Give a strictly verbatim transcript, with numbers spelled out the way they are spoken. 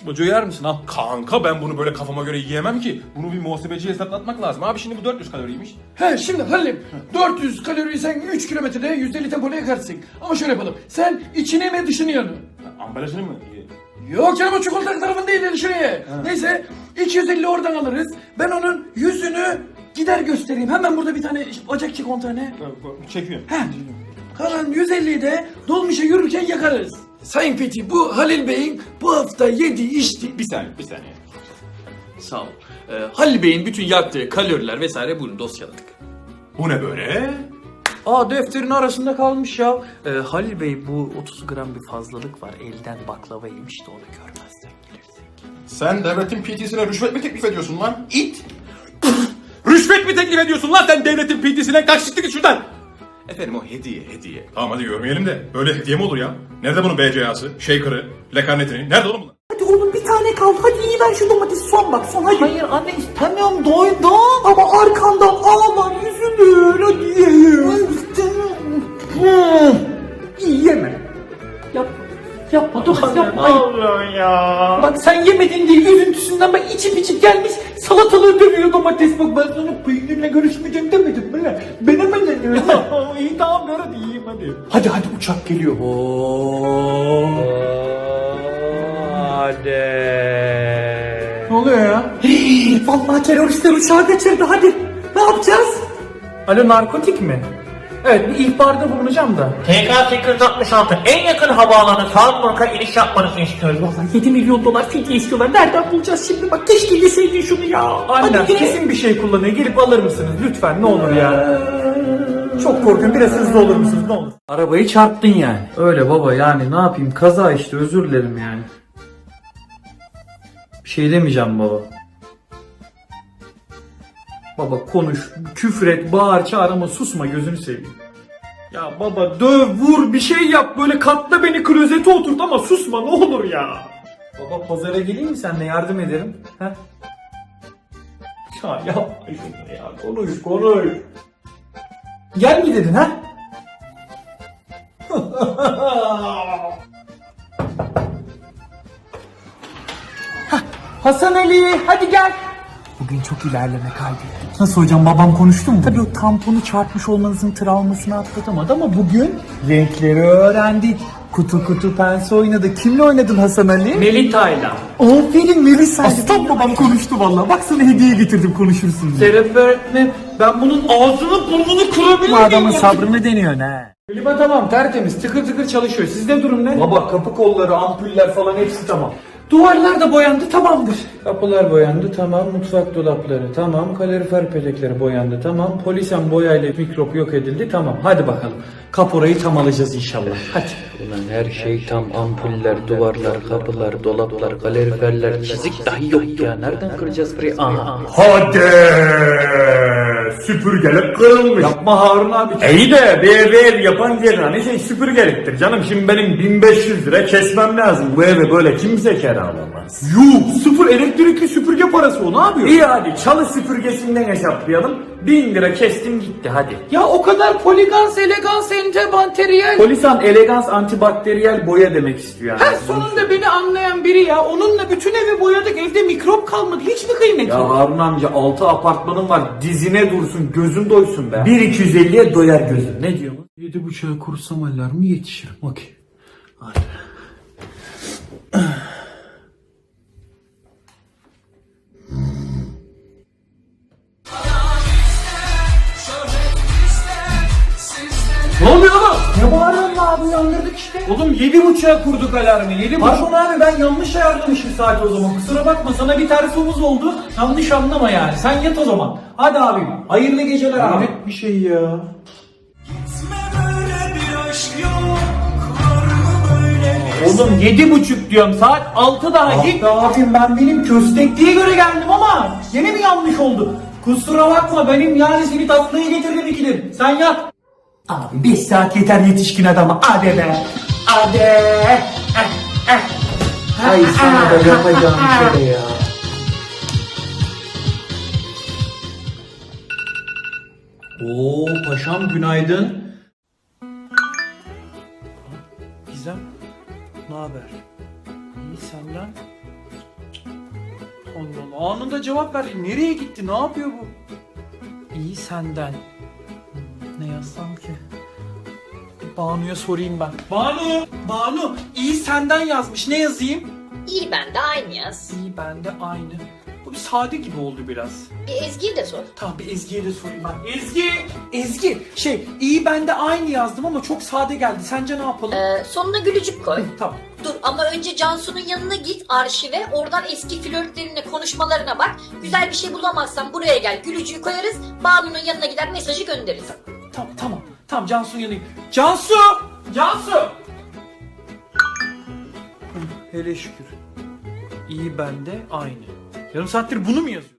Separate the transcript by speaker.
Speaker 1: Boca uyar mısın al.
Speaker 2: Kanka ben bunu böyle kafama göre yiyemem ki. Bunu bir muhasebeciye hesaplatmak lazım. Abi şimdi bu dört yüz kaloriymiş.
Speaker 3: He şimdi Halil'im dört yüz kaloriyi sen üç kilometrede yüzde elli tempoyla yakarsın. Ama şöyle yapalım. Sen içini mi dışını yanı?
Speaker 2: Ambalajını mı?
Speaker 3: Yok canım o çikolata tarafın değil dışını ye. Neyse iki yüz elli oradan alırız. Ben onun yüzünü gider göstereyim. Hemen burada bir tane bacak çek on tane.
Speaker 2: Çekiyorum.
Speaker 3: He. Kalan yüz elliyi de dolmuşa yürürken yakarız. Sayın Fethi bu Halil Bey'in bu hafta yediği içtiği...
Speaker 2: Bir saniye bir saniye.
Speaker 1: Sağ ol. Ee, Halil Bey'in bütün yaktığı kaloriler vesaire buyurun dosyaladık.
Speaker 2: Bu ne böyle?
Speaker 1: Aa defterin arasında kalmış ya. Ee, Halil Bey bu otuz gram bir fazlalık var. Elden baklava yemiş de onu görmezden gelirsek.
Speaker 2: Sen devletin P T'sine rüşvet mi teklif ediyorsun lan? İt! Rüşvet mi teklif ediyorsun lan sen devletin P T'sine? Kaç çıktı git şuradan! Efendim o hediye hediye. Tamam hadi görmeyelim de. Böyle hediye mi olur ya? Nerede bunun B C A'sı, shaker'ı, lekarnetini? Nerede oğlum bunlar?
Speaker 4: Hadi oğlum bir tane kaldı. Hadi iyi ver şu domatesi son bak son hadi.
Speaker 5: Hayır anne istemiyorum doydum.
Speaker 4: Ama arkandan ağlar yüzülür. Hadi ye. İyi yeme.
Speaker 5: Yap, yapma domates yapma.
Speaker 4: Ne oluyor ya?
Speaker 5: Bak sen yemedin diye üzüntüsünden bak içip içip gelmiş salatalığı dövüyor domates. Bak ben sana peynirle görüşmeyeceğim demedim mi lan? Ben hemen dedim.
Speaker 4: İyi tamam ver hadi yiyeyim hadi.
Speaker 5: Hadi hadi uçak geliyor.
Speaker 1: Hadi.
Speaker 5: Ne oluyor ya?
Speaker 4: Vallahi teröristler uçağı kaçırdı hadi. Ne yapacağız?
Speaker 5: Alo narkotik mi? Evet bir ihbarda bulunacağım da.
Speaker 6: T K sekiz yüz altmış altı en yakın havaalanı Salzburg'a iniş yapmanızı istiyoruz.
Speaker 4: Vallahi yedi milyon dolar fidye istiyorlar. Nereden bulacağız şimdi? Bak keşke yeseydin şunu ya.
Speaker 5: Annem
Speaker 4: Hadi
Speaker 5: kesin bir şey kullanıyor. Gelip alır mısınız? Lütfen ne olur ya. Çok korkuyorum. Biraz hızlı olur musunuz? Ne olur. Arabayı çarptın yani. Öyle baba yani ne yapayım? Kaza işte özür dilerim yani. Bir şey demeyeceğim baba. Baba konuş, küfür et, bağır, çağır ama susma gözünü seveyim. Ya baba döv, vur, bir şey yap böyle katla beni klozete oturt ama susma ne olur ya. Baba pazara geleyim mi senle yardım ederim? He? Ya yapma şunu ya konuş konuş. Gel mi dedin ha?
Speaker 4: Hasan Ali hadi gel. Bugün çok ilerleme kaydettik. Nasıl hocam babam konuştu mu? Tabii o tamponu çarpmış olmanızın travmasını atlatamadı ama bugün renkleri öğrendik. Kutu kutu pense oynadı. Kimle oynadın Hasan Ali?
Speaker 5: Melita'yla.
Speaker 4: Aferin Melisa. Aslan babam konuştu vallahi. Bak sana hediye getirdim konuşursun diye.
Speaker 5: Serap öğretmen ben bunun ağzını burnunu kırabilir
Speaker 4: Bu
Speaker 5: miyim?
Speaker 4: adamın sabrını deniyor ne?
Speaker 5: Klima tamam tertemiz tıkır tıkır çalışıyor. Sizde durum ne? Baba kapı kolları, ampuller falan hepsi tamam. Duvarlar da boyandı tamamdır. Kapılar boyandı tamam, mutfak dolapları tamam, kalorifer petekleri boyandı tamam, polisen boyayla mikrop yok edildi tamam. Hadi bakalım kaporayı tam alacağız inşallah. Hadi.
Speaker 7: Ulan her şey tam ampuller, duvarlar, kapılar, dolaplar, kaloriferler, çizik dahi yok ya. Nereden kıracağız burayı? Aha.
Speaker 8: Hadi süpürgelik kırılmış.
Speaker 5: Yapma Harun abi.
Speaker 8: İyi de bir ev ev yapan yerine şey süpürgeliktir canım. Şimdi benim bin beş yüz lira kesmem lazım. Bu eve böyle kimse kiralamaz.
Speaker 5: Yuh sıfır elektrikli süpürge parası o ne yapıyor?
Speaker 8: İyi hadi çalı süpürgesinden hesaplayalım. Bin lira kestim gitti hadi.
Speaker 5: Ya o kadar poligans, elegans, antibakteriyel.
Speaker 8: Polisan elegans antibakteriyel boya demek istiyor yani.
Speaker 5: Ha sonunda beni anlayan biri ya. Onunla bütün evi boyadık. Evde mikrop kalmadı. Hiç mi kıymeti
Speaker 8: Ya
Speaker 5: yok?
Speaker 8: Harun amca altı apartmanım var. Dizine dursun gözün doysun be. bir iki yüz elliye doyar gözün. Ne diyor bu?
Speaker 5: Yedi buçuğa kursam alarmı yetişirim. Okey. Hadi. Ne oluyor oğlum?
Speaker 4: Ne bağırıyorsun abi uyandırdık işte.
Speaker 5: Oğlum yedi buçuğa kurduk alarmı. Yedi buçuk.
Speaker 4: Pardon abi ben yanlış
Speaker 5: ayarlamışım saati o zaman. Kusura bakma sana bir tersimiz oldu. Yanlış anlama yani. Sen yat o zaman. Hadi abim. Hayırlı geceler abi.
Speaker 4: Hayret bir şey ya.
Speaker 5: Oğlum yedi buçuk diyorum. Saat altı daha.
Speaker 4: Ah
Speaker 5: Git.
Speaker 4: be abim ben benim
Speaker 5: Köstekliğe göre geldim ama yine mi yanlış oldu? Kusura bakma benim yani seni tatlıyı getirdim ikidir. Sen yat.
Speaker 4: Abi beş saat yeter yetişkin adama. Hadi be. Hadi.
Speaker 5: Ay sana da yapacağım bir şey ya. Oo paşam günaydın. Gizem, ne haber? İyi senden?
Speaker 1: Allah Allah, anında cevap verdi. Nereye gitti? Ne yapıyor bu?
Speaker 4: İyi senden. Hmm, Ne yazsam ki? Bir Banu'ya sorayım ben.
Speaker 1: Banu! Banu! İyi senden yazmış. Ne yazayım?
Speaker 9: İyi ben de aynı yaz.
Speaker 1: İyi bende aynı. Bu bir sade gibi oldu biraz.
Speaker 9: Bir Ezgi'yi de sor.
Speaker 1: Tamam, bir Ezgi'ye de sorayım ben. Ezgi! Ezgi! Şey, iyi bende aynı yazdım ama çok sade geldi. Sence ne yapalım?
Speaker 9: Ee, sonuna gülücük koy.
Speaker 1: Tamam.
Speaker 9: Dur ama önce Cansu'nun yanına git arşive. Oradan eski flörtlerine, konuşmalarına bak. Güzel bir şey bulamazsan buraya gel. Gülücüğü koyarız. Banu'nun yanına gider mesajı göndeririz.
Speaker 1: Tamam, tamam. Tamam, Cansu'nun yanına git. Cansu! Cansu! Hı, hele şükür. İyi bende aynı. Yarım saattir bunu mu yazıyor?